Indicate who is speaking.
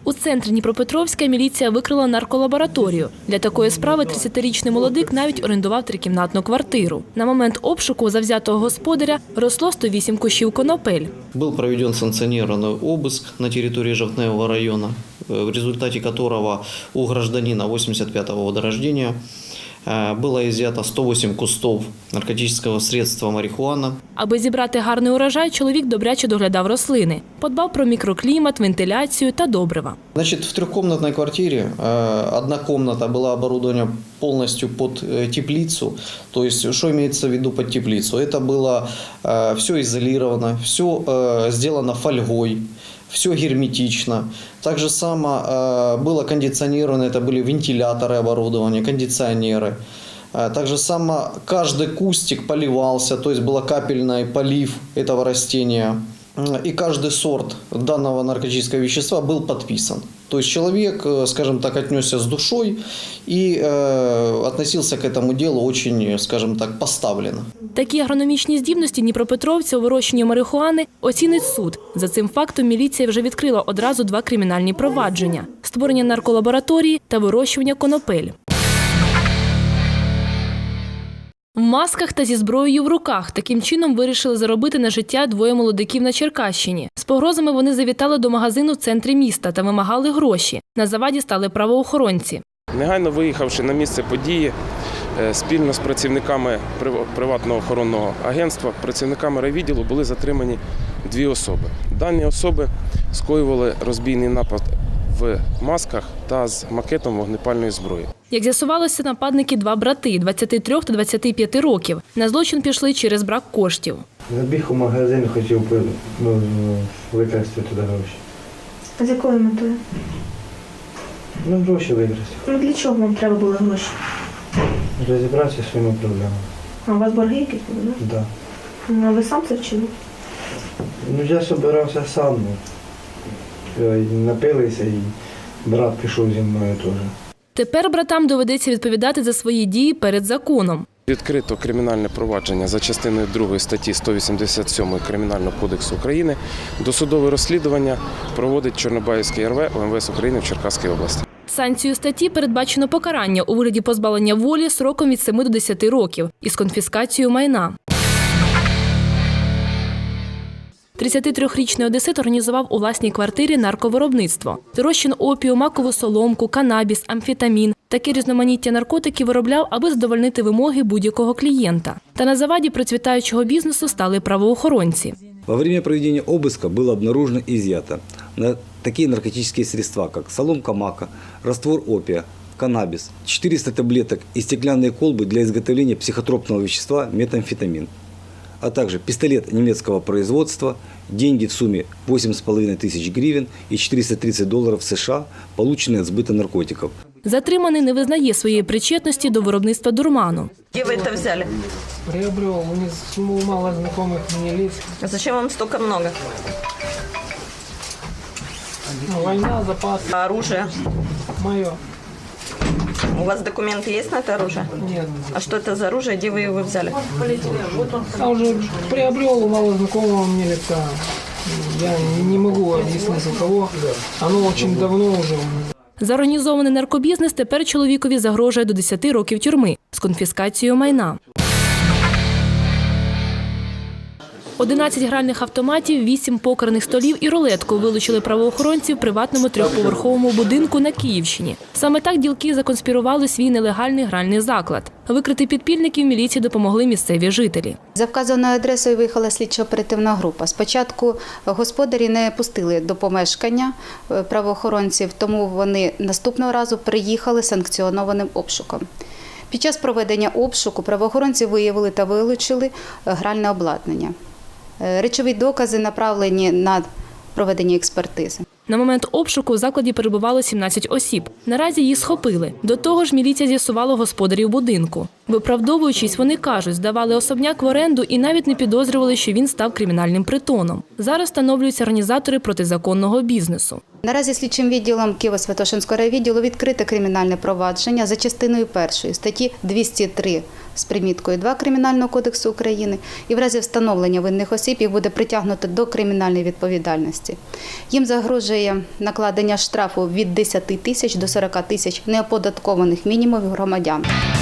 Speaker 1: У центрі Дніпропетровська міліція викрила нарколабораторію. Для такої справи 30-річний молодик навіть орендував трикімнатну квартиру. На момент обшуку у завзятого господаря росло 108 кущів конопель.
Speaker 2: Был проведен санкционированный обыск на территории Жовтневого района, в результате которого у гражданина 85-го года рождения было изъято 108 кустов наркотического средства марихуана.
Speaker 1: Аби зібрати гарний урожай, чоловік добряче доглядав рослини. Подбав про мікроклімат, вентиляцію та добрива.
Speaker 2: Значит, в трехкомнатной квартире одна комната была оборудована полностью под теплицу. То есть, что имеется в виду под теплицу? Это было все изолировано, все сделано фольгой, все герметично. Так же само было кондиционировано, это были вентиляторы оборудования, кондиционеры. Так же само каждый кустик поливался, то есть был капельный полив этого растения. И каждый сорт данного наркотического вещества был подписан. То есть человек, скажем так, отнесся с душой и относился к этому делу очень, скажем так, поставленно.
Speaker 1: Такі агрономічні здібності дніпропетровця у вирощенні марихуани оцінить суд. За цим фактом міліція вже відкрила одразу 2 кримінальні провадження – створення нарколабораторії та вирощування конопель. В масках та зі зброєю в руках. Таким чином вирішили заробити на життя 2 молодиків на Черкащині. З погрозами вони завітали до магазину в центрі міста та вимагали гроші. На заваді стали правоохоронці.
Speaker 3: Негайно виїхавши на місце події, спільно з працівниками приватного охоронного агентства, працівниками райвідділу були затримані 2 особи. Дані особи скоювали розбійний напад в масках та з макетом вогнепальної зброї.
Speaker 1: Як з'ясувалося, нападники 2 брати – 23 та 25 років. На злочин пішли через брак коштів.
Speaker 4: Забіг у магазин, хотів викрасти туди гроші.
Speaker 5: А з якою метою?
Speaker 4: Гроші викрасти.
Speaker 5: Для чого вам треба були гроші?
Speaker 4: Розібратися зі своїми проблемами.
Speaker 5: А у вас борги якісь були, так?
Speaker 4: Так.
Speaker 5: А ви сам це вчили?
Speaker 4: Я збирався сам. Напилися і брат пішов зі мною теж.
Speaker 1: Тепер братам доведеться відповідати за свої дії перед законом.
Speaker 3: Відкрито кримінальне провадження за частиною 2 статті 187 Кримінального кодексу України. Досудове розслідування проводить Чорнобаївський РВ УМВС України в Черкаській області.
Speaker 1: Санкцією статті передбачено покарання у вигляді позбавлення волі сроком від 7 до 10 років із конфіскацією майна. 33-річний одесит організував у власній квартирі нарковиробництво. Розчин опію, макову соломку, канабіс, амфетамін. Таке різноманіття наркотиків виробляв, аби задовольнити вимоги будь-якого клієнта. Та на заваді процвітаючого бізнесу стали правоохоронці.
Speaker 6: Во время проведения обыска было обнаружено и изъято такие наркотические средства, как соломка мака, раствор опия, каннабис, 400 таблеток и стеклянные колбы для изготовления психотропного вещества метамфетамин, а также пистолет немецкого производства, деньги в сумме 8,5 тысяч гривен и $430 США, полученные от сбыта наркотиков.
Speaker 1: Затриманий не визнає своєї причетності до виробництва дурману.
Speaker 7: Где вы это взяли?
Speaker 8: Приобрел, мало знакомых мне лиц.
Speaker 7: А зачем вам столько много?
Speaker 8: Война, запас.
Speaker 7: А оружие?
Speaker 8: Мое.
Speaker 7: У вас документы есть на это оружие?
Speaker 8: Нет.
Speaker 7: А что это за оружие? Где вы его взяли?
Speaker 8: Я уже приобрел у мало знакомого мне лица. Я не могу объяснить у кого. Оно очень давно уже.
Speaker 1: За організований наркобізнес тепер чоловікові загрожує до 10 років тюрми з конфіскацією майна. 11 гральних автоматів, 8 покерних столів і рулетку вилучили правоохоронці в приватному 3-поверховому будинку на Київщині. Саме так ділки законспірували свій нелегальний гральний заклад. Викрити підпільників міліції допомогли місцеві жителі.
Speaker 9: За вказаною адресою виїхала слідчо-оперативна група. Спочатку господарі не пустили до помешкання правоохоронців, тому вони наступного разу приїхали санкціонованим обшуком. Під час проведення обшуку правоохоронці виявили та вилучили гральне обладнання. Речові докази направлені на проведення експертизи.
Speaker 1: На момент обшуку в закладі перебувало 17 осіб. Наразі їх схопили. До того ж, міліція з'ясувала господарів будинку. Виправдовуючись, вони кажуть, здавали особняк в оренду і навіть не підозрювали, що він став кримінальним притоном. Зараз встановлюються організатори протизаконного бізнесу.
Speaker 9: Наразі слідчим відділом Києво-Святошинського райвідділу відкрите кримінальне провадження за частиною 1 статті 203 з приміткою 2 Кримінального кодексу України, і в разі встановлення винних осіб їх буде притягнуто до кримінальної відповідальності. Їм загрожує накладення штрафу від 10 тисяч до 40 тисяч неоподаткованих мінімумів громадян.